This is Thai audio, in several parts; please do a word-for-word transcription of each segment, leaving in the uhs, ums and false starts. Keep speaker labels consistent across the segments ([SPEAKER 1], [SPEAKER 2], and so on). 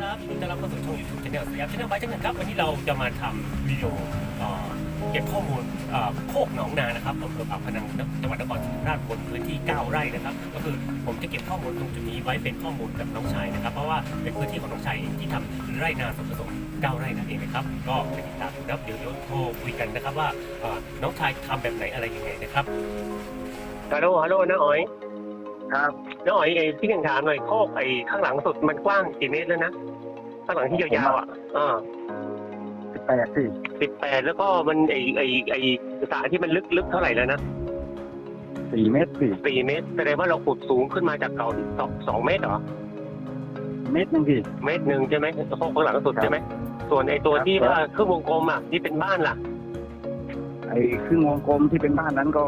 [SPEAKER 1] ครับยินดีต้อนรับเข้าสู่ช่อง YouTube Channel สยาม Channel by ช่างหนึ่งครับวันนี้เราจะมาทำวิดีโอเอ่อเก็บข้อมูลเอ่อโคกหนองนานะครับอำเภอปากพนังจังหวัดนครศรีธรรมราชบนพื้นที่เก้าไร่นะครับก็คือผมจะเก็บข้อมูลตรงจุดนี้ไว้เป็นข้อมูลกับน้องชายนะครับเพราะว่าเป็นพื้นที่ของน้องชายที่ทำไร่นาสวนผสมเก้าไร่นั่นเองนะครับก็ไปติดตามแล้วเดี๋ยวเดี๋ยวโทรคุยกันนะครับว่าเอ่อน้องชายทำแบบไหนอะไรยังไงนะครับฮัลโหลฮัลโหลน้าอ๋อย
[SPEAKER 2] ครับ
[SPEAKER 1] น้าอ๋อยไอ้ที่ยังถามหน่อยโคกไอ้ข้างหลังสุดมันกว้างกี่เมตรแล้วนะข้างหลังที่ยาวๆอ่ะอ่า
[SPEAKER 2] สิบแปดสิ
[SPEAKER 1] สิบแปดแล้วก็มันไอไอไอสระที่มันลึกลึกเท่าไหร่แล้วนะ
[SPEAKER 2] สี่เมตรสี่
[SPEAKER 1] สี่เมตรแสดงว่าเราขุดสูงขึ้นมาจากเก่าสองสองเมตรเหรอ
[SPEAKER 2] เมตรหนึ่งพี่
[SPEAKER 1] เมตรหนึ่งใช่ไหมโคกข้างหลังสุดใช่ไหมส่วนไอตัวที่ว่าครึ่งวงกลมอ่ะที่เป็นบ้านล่ะ
[SPEAKER 2] ไอ้ครึ่งวงกลมที่เป็นบ้านนั้นก็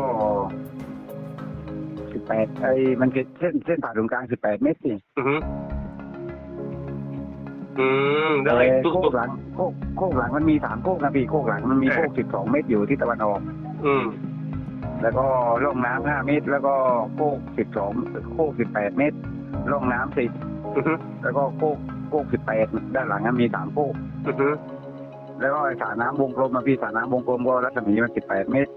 [SPEAKER 2] สิบแปดไอ้มันคือเส้นเส้นผ่าศูนย์กลางสิบแปดเมตรสิ
[SPEAKER 1] อืออืม
[SPEAKER 2] แล้วไอ้โคกหลังโคกโคกหลังมันมีสามโคกนะพี่โคกหลังมันมีโคกสิบสองเมตรอยู่ที่ตะวันออก
[SPEAKER 1] อืม
[SPEAKER 2] แล้วก็ร่องน้ำห้าเมตรแล้วก็โคกสิบสองโคกสิบแปดเมตรร่องน้ำสิบแล้วก็โคกโคกสิบแปดด้านหลังมันมีสามโคกแล้วก็สระน้ำวงกลมมาพี่สระน้ำวงกลมก็รัศมีมันสิบแปดเมตร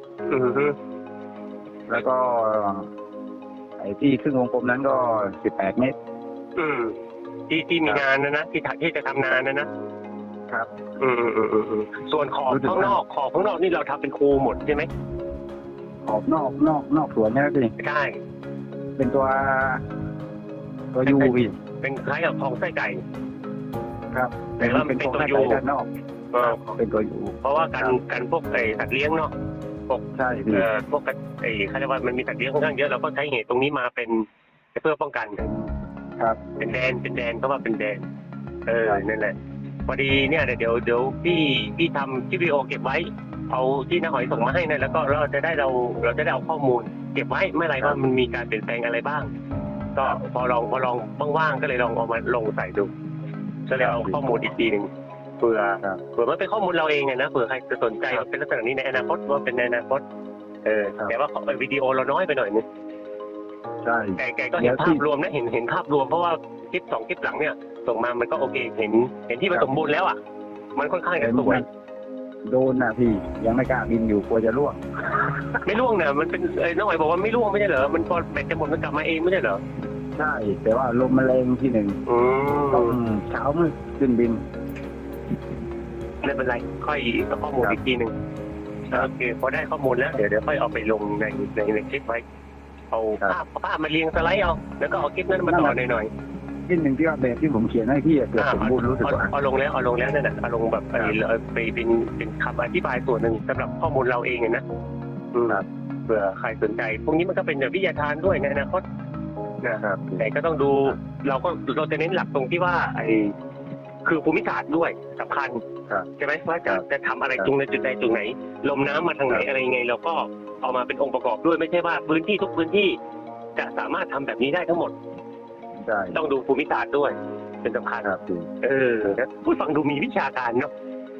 [SPEAKER 2] แล้วก็ไอ้ที่ครึ่งวงกลมนั้นก็สิบแปดเมตร
[SPEAKER 1] อืมที่ที่มีงานนะนะที่ที่จะทำงานนะนะครับอืมอืมอืมอืมส่วนขอบข้างนอกขอบข้างนอกนี่เราทำเป็นคูหมดใช่ไหม
[SPEAKER 2] ขอบนอกนอกนอกสวนใช่ไหมพี่
[SPEAKER 1] ใช่
[SPEAKER 2] เป็นตัวตัวยูพี่
[SPEAKER 1] เป็นคล้ายกับคลองไส้ไก่
[SPEAKER 2] ครับแต่ว่าเป็นตัวยูด้านนอกเป็นตัวยู
[SPEAKER 1] เพราะว่าการการพวกไอ้สัตว์เลี้ยงเนาะพวก
[SPEAKER 2] ใช่
[SPEAKER 1] เอ่อพวกไอ้เขาเรียกว่ามันมีสัตว์เลี้ยงค่อนข้างเยอะเราก็ใช้เหตุตรงนี้มาเป็นเพื่อป้องกัน
[SPEAKER 2] ครับ
[SPEAKER 1] เป็นแดนเป็นแดนก็ว่าเป็นแดนเออนั่นแหละพอดีเนี่ยเดี๋ยวเดี๋ยวพี่พี่ทำคลิปวิดีโอเก็บไว้เอาที่น้าหอยส่งมาให้นะแล้วก็เราจะได้เราเราจะได้เอาข้อมูลเก็บไว้เมื่อไรว่ามันมีการเปลี่ยนแปลงอะไรบ้างก็พอลองพอลองว่างๆก็เลยลองเอามาลงใส่ดูก็เลยเอาข้อมูลอีกทีหนึ่งเผื่อเผื่อมันเป็นข้อมูลเราเองไงนะเผื่อใครจะสนใจเป็นลักษณะนี้ในอนาคตว่าเป็นในอนาคตเออแต่ว่าวิดีโอเราน้อยไปหน่อยนึง
[SPEAKER 2] ใช่
[SPEAKER 1] แต่แกก็เห็นภาพรวมนะเห็นเห็นภาพรวมเพราะว่าคลิปสองคลิปหลังเนี่ยส่งมามันก็โอเคเห็นเห็นที่มันสมบูรณ์แล้วอ่ะมันค่อนข้างจะสวย
[SPEAKER 2] โดนนะพี่ยังไม่กล้าบินอยู่กลัวจะร่วง
[SPEAKER 1] ไม่ร่วงนะมันเป็นเอ้น้องหอยบอกว่าไม่ร่วงไม่ใช่เหรอมันพอแบตจะหมดมันกลับมาเองไม่ใช่เหรอ
[SPEAKER 2] ใช่แต่ว่าลมมันแรงที่หนึ่งต้องเช้ามืดขึ้นบิน
[SPEAKER 1] ไม่เป็นไรค่อยเอาข้อมูลอีกทีหนึ่งโอเคพอได้ข้อมูลแล้วเดี๋ยวเดี๋ยวค่อยเอาไปลงในในในคลิปไว้เอาภาพภาพมาเรียงสไลด์เอาแล้วก็เอาคลิปนั้นมาต่อหน่อย
[SPEAKER 2] ๆคลิปหนึ่งที่ว่าแบบที่ผมเขียนให้พี่เกิดสมบูรณ์รู้สึกว่า
[SPEAKER 1] เอาลงแล้วเอาลงแล้วนั่นแหละเอาลงแบบไปไปเป็นเป็นคำอธิบายส่วนหนึ่งสำหรับข้อมูลเราเองนะเผื่อใครสนใจพวกนี้มันก็เป็นแบบวิทยาทานด้วยในอนาคตนะครับแต่ก็ต้องดูเราก็เราจะเน้นหลักตรงที่ว่าไอ้คือภูมิศาสตร์ด้วยสำคัญใช่ไหมว่าจะจะทำอะไรตรงในจุดใดตรงไหนลมน้ำมาทางไหนอะไรยังไงเราก็เอามาเป็นองค์ประกอบด้วยไม่ใช่ว่าพื้นที่ทุกพื้นที่จะสามารถทำแบบนี้ได้ทั้งหมดต้องดูภูมิศาสตร์ด้วยเป็นสำคัญเออพูดฟังดูมีวิชาการเนาะ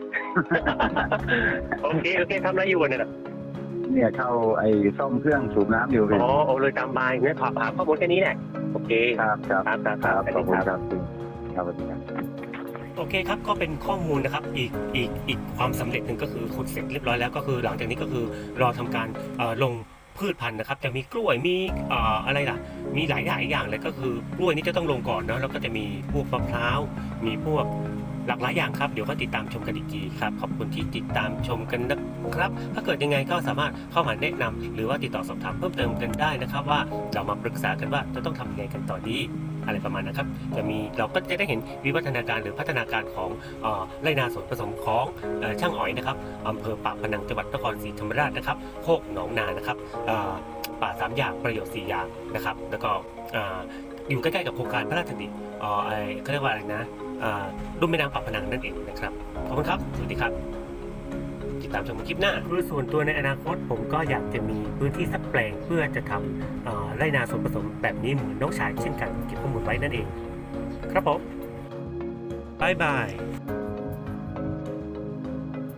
[SPEAKER 1] โอเคโอเคทำอะไรอยู่เนี่ย
[SPEAKER 2] เนี่ยเข้าไอ้ซ่อมเครื่องสูบน้ำอยู่
[SPEAKER 1] อ๋อโอ้เลยตามบายเนี่ยถามหาข้อมูลแค่นี้แหละโอเค
[SPEAKER 2] ครับครับ
[SPEAKER 1] ครับครับ
[SPEAKER 2] ครับขอบคุณครับครับ
[SPEAKER 1] โอเคครับก็เป็นข้อมูลนะครับอีกอีกอีกความสำเร็จหนึ่งก็คือขุดเสร็จเรียบร้อยแล้วก็คือหลังจากนี้ก็คือรอทำการลงพืชพันธุ์นะครับจะมีกล้วยมีอะไรล่ะมีหลายหลายอย่างเลยก็คือกล้วยนี่จะต้องลงก่อนเนาะแล้วก็จะมีพวกมะพร้าวมีพวกหลากหลายอย่างครับเดี๋ยวก็ติดตามชมกันอีกทีครับขอบคุณที่ติดตามชมกันนะครับถ้าเกิดยังไงก็สามารถเข้ามาแนะนำหรือว่าติดต่อสอบถามเพิ่มเติมกันได้นะครับว่าเรามาปรึกษากันว่าจะต้องทำยังไงกันต่อดีอะไรประมาณนะครับจะมีเราก็จะได้เห็นวิวัฒนาการหรือพัฒนาการของไร่นาสวนผสมของช่างอ๋อยนะครับอำเภอปากพนังจังหวัดนครศรีธรรมราชนะครับโคกหนองนานะครับป่าสามอย่างประโยชน์สี่อย่างนะครับแล้วก็อยู่ใกล้ๆกับโครงการพระราชดำริอ๋อไอเขาเรียกว่าอะไรนะรุ่มแม่น้ำปากพนังนั่นเองนะครับขอบคุณครับสวัสดีครับติดตามชมคลิปหน้าคือส่วนตัวในอนาคตผมก็อยากจะมีพื้นที่สักแปลงเพื่อจะทำไร่นาส่วนผสมแบบนี้เหมือนน้องชายเช่นกันเก็บข้อมูลไว้นั่นเองครับผมบายบาย